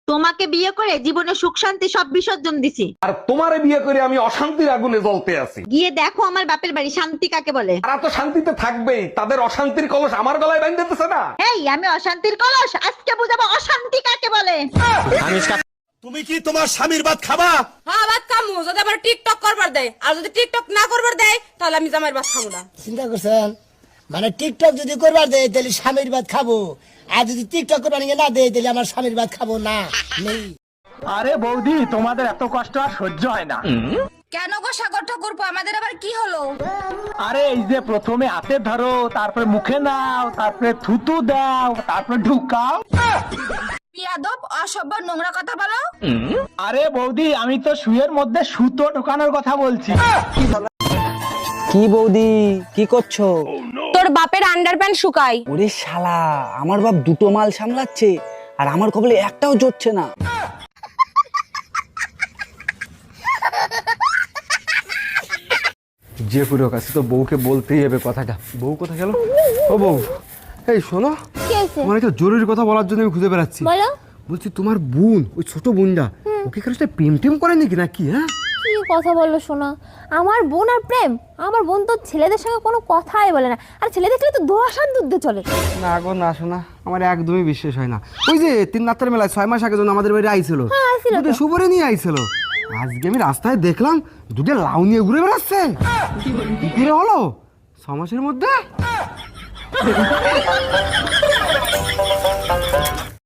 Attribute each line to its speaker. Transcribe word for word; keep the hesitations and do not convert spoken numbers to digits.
Speaker 1: তোমাকে বিয়ে করে জীবনে সুখ শান্তি সব বিসর্জন দিছি।
Speaker 2: আর তোমারে বিয়ে করে আমি অশান্তির আগুনে জ্বলতে আছি।
Speaker 1: গিয়ে দেখো আমার বাপের বাড়ি শান্তি কাকে বলে।
Speaker 2: তারা তো শান্তিতে থাকবেই, তাদের অশান্তির কলস আমার গলায় বাঁধতেছে না।
Speaker 1: এই আমি অশান্তির কলস, আজকে বুঝাবো অশান্তি কাকে বলে।
Speaker 3: তুমি কি তোমার স্বামীর ভাত খাবা?
Speaker 4: হ্যাঁ ভাত খামু, যদি আবার টিকটক করবার দেয়, আর যদি টিকটক না করবার দেয় তাহলে আমি জামাইয়ের ভাত খাবো না।
Speaker 5: চিন্তা করছেন? মানে টিকটক যদি করবার দেয় তাহলে স্বামীর ভাত খাবো, আর যদি টিকটক করবার না দেয় তাহলে আমার স্বামীর ভাত খাবো না। নেই।
Speaker 6: আরে বৌদি, তোমাদের এত কষ্ট আর সহ্য হয় না।
Speaker 4: কেন গো সাগর ঠাকুরপো, আমাদের আবার কি হলো?
Speaker 6: আরে এই যে প্রথমে হাতে ধরো, তারপরে মুখে নাও, তারপরে থুতু দাও, তারপরে ঢুকাও।
Speaker 4: বিয়াদব, অসভ্য, নোংরা কথা বলো।
Speaker 6: আরে বৌদি, আমি তো শুয়ের মধ্যে সুতো ঢোকানোর কথা বলছি।
Speaker 7: কি বৌদি, কি করছো?
Speaker 4: তোর বাপের আন্ডারপ্যান্ট শুকাই।
Speaker 7: ওরে শালা, আমার বাপ দুটো মাল সামলাচ্ছে আর আমার কপালে একটাও জুটছে না।
Speaker 2: যে পুরো কাছে তো বউকে বলতেই হবে কথাটা। বউ কোথায় গেল? ও বউ, এই শোনো, তোমার একটা জরুরি কথা বলার জন্য আমি খুঁজে বেড়াচ্ছি। বলছি তোমার বোন, ওই ছোট বোনটা, ওকে কারোর সাথে প্রেম টেম করে নাকি নাকি? হ্যাঁ,
Speaker 8: কি কথা বললো শোনা? আমার বোন আর প্রেম? আমার বোন তো ছেলেদের সঙ্গে কোনো কথাই বলে না, আর ছেলে দেখলে তো দোয়াশান দুধে চলে।
Speaker 2: না গো না শোনা, আমার একদমই বিশ্বাস হয় না। ওই যে তিন রাত্রের মেলায় ছয় মাস আগে যখন আমাদের বাড়ি আইছিল, দুটো সুপরে নিয়ে আইছিল, আজকে আমি রাস্তায় দেখলাম দুটো লাউ নিয়ে ঘুরে বেড়াচ্ছে। কি করে হলো ছ মাসের মধ্যে?